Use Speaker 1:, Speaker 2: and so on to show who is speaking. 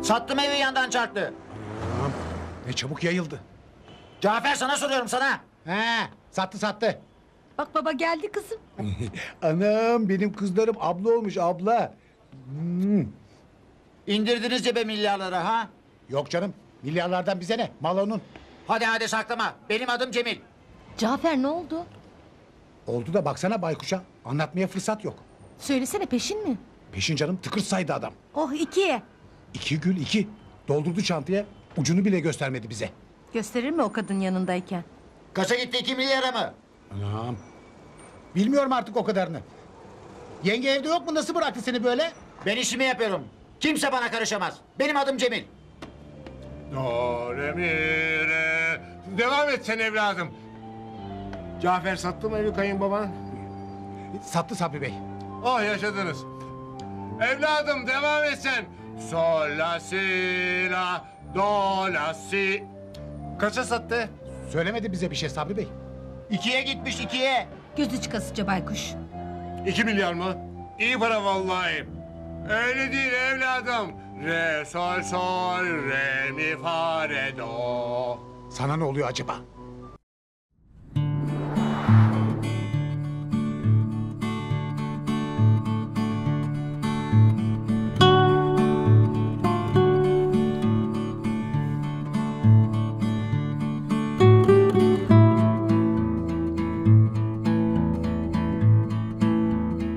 Speaker 1: Sattım evi yandan çarptı.
Speaker 2: Tamam. Ne çabuk yayıldı.
Speaker 1: Cafer sana soruyorum sana.
Speaker 2: He, sattı.
Speaker 3: Bak baba geldi kızım.
Speaker 2: Anam benim kızlarım abla olmuş abla.
Speaker 1: İndirdiniz cebe milyarları ha?
Speaker 2: Yok canım milyarlardan bize ne? Mal onun.
Speaker 1: Hadi saklama. Benim adım Cemil.
Speaker 3: Cafer ne oldu?
Speaker 2: Oldu da baksana baykuşa. Anlatmaya fırsat yok.
Speaker 3: Söylesene peşin mi?
Speaker 2: Peşin canım tıkır saydı adam.
Speaker 3: Oh 2'ye.
Speaker 2: 2 gül 2. Doldurdu çantaya. Ucunu bile göstermedi bize.
Speaker 3: Gösterir mi o kadın yanındayken?
Speaker 1: Kaça gitti 2 milyara mı?
Speaker 2: Anam. Bilmiyorum artık o kadarını. Yenge evde yok mu? Nasıl bıraktı seni böyle?
Speaker 1: Ben işimi yapıyorum. Kimse bana karışamaz. Benim adım Cemil.
Speaker 4: Do, re, mi, re. Devam et sen evladım. Cafer sattı mı evi kayınbaban?
Speaker 2: Sattı Sabri Bey.
Speaker 4: Oh yaşadınız. Evladım devam et sen. Sol, la, si, la, do, la, si. Kaça sattı?
Speaker 2: Söylemedi bize bir şey Sabri Bey.
Speaker 1: 2'ye gitmiş 2'ye.
Speaker 3: Gözü çıkasıca baykuş.
Speaker 4: 2 milyar mı? İyi para vallahi. Öyle değil evladım. Re, sol, sol, re, mi, fa, re, do.
Speaker 2: Sana ne oluyor acaba?